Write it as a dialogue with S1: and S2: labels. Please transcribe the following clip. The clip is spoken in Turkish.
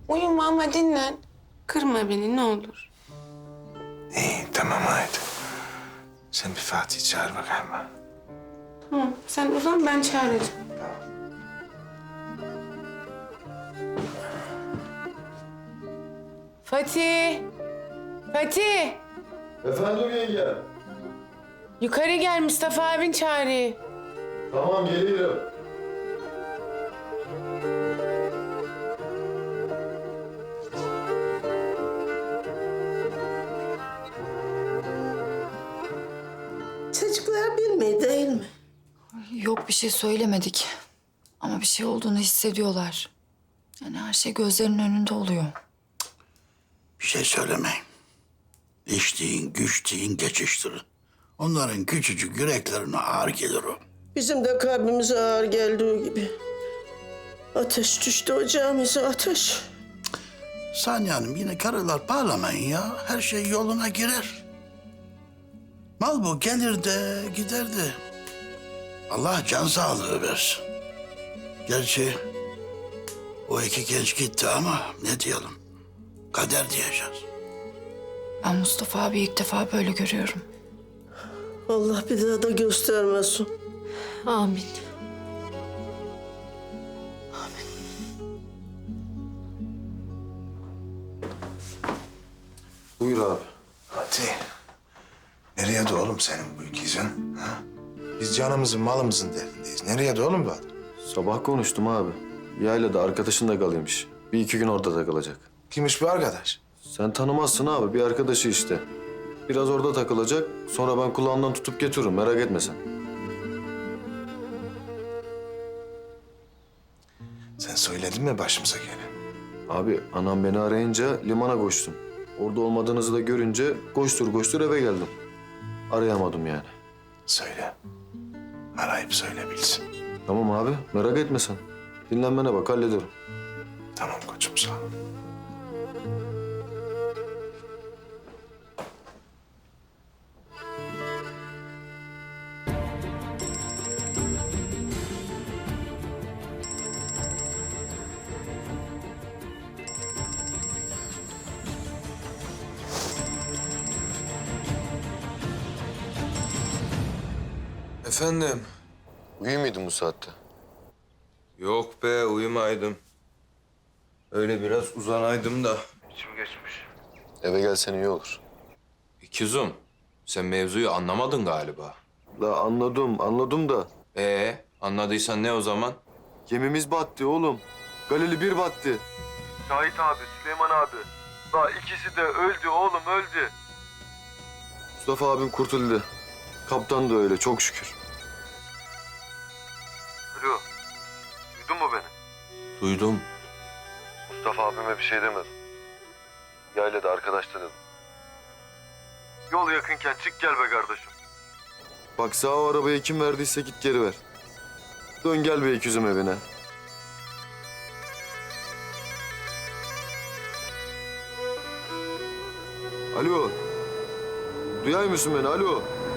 S1: Uyuma ama dinlen. Kırma beni ne olur.
S2: İyi tamam haydi. Sen bir Fatih çağır bakayım.
S1: Tamam sen uzan ben çağıracağım. Fatih! Fatih!
S3: Efendim yenge.
S1: Yukarı gel Mustafa abin çağırıyor.
S3: Tamam geliyorum.
S4: Çocuklar bilmiyor değil mi?
S5: Yok bir şey söylemedik. Ama bir şey olduğunu hissediyorlar. Yani her şey gözlerinin önünde oluyor.
S6: Bir şey söylemeyin. İçtiğin, güçtiğin geçiştirin. Onların küçücük yüreklerine ağır gelir o.
S4: Bizim de kalbimize ağır geldiği gibi. Ateş düştü ocağımıza ateş.
S6: Saniye Hanım yine karılar bağlamayın ya. Her şey yoluna girer. Mal bu gelir de gider de. Allah can sağlığı versin. Gerçi o iki genç gitti ama ne diyelim. Kader diyeceğiz.
S5: Ben Mustafa abi ilk defa böyle görüyorum.
S4: Allah bir daha da göstermesin.
S5: Amin.
S3: Buyur abi.
S2: Fatih. Nereye de oğlum senin bu ikizin? Ha? Biz canımızın malımızın derdindeyiz. Nereye de oğlum bu adam?
S3: Sabah konuştum abi. Yaylada arkadaşın da kalıyormuş. Bir iki gün orada takılacak.
S2: Kimmiş bu arkadaş?
S3: Sen tanımazsın abi. Bir arkadaşı işte. Biraz orada takılacak. Sonra ben kulağından tutup getiririm. Merak etme sen.
S2: Sen söyledin mi başımıza gelen?
S3: Abi anam beni arayınca limana koştum. Orada olmadığınızı da görünce koştur koştur eve geldim. Arayamadım yani.
S2: Söyle. Arayıp söyle bilsin.
S3: Tamam abi merak etme sen. Dinlenmene bak hallederim.
S2: Tamam koçum sağ ol.
S7: Efendim?
S3: Uyuyor muydun bu saatte?
S7: Yok be uyumaydım. Öyle biraz uzanaydım da.
S3: Eve gelsen iyi olur.
S7: İkizum, sen mevzuyu anlamadın galiba.
S3: La anladım da.
S7: Anladıysan ne o zaman?
S3: Gemimiz battı oğlum. Galili bir battı. Şahit abi, Süleyman abi. Daha ikisi de öldü oğlum öldü. Mustafa abim kurtuldu. Kaptan da öyle çok şükür. Alo. Duydun mu beni?
S7: Duydum.
S3: Mustafa abime bir şey demedim. Yaylada arkadaşta dedim. Yol yakınken çık gel be kardeşim. Bak sağ o arabayı kim verdiyse git geri ver. Dön gel be ikizim evine. Alo. Duyar mısın beni? Alo.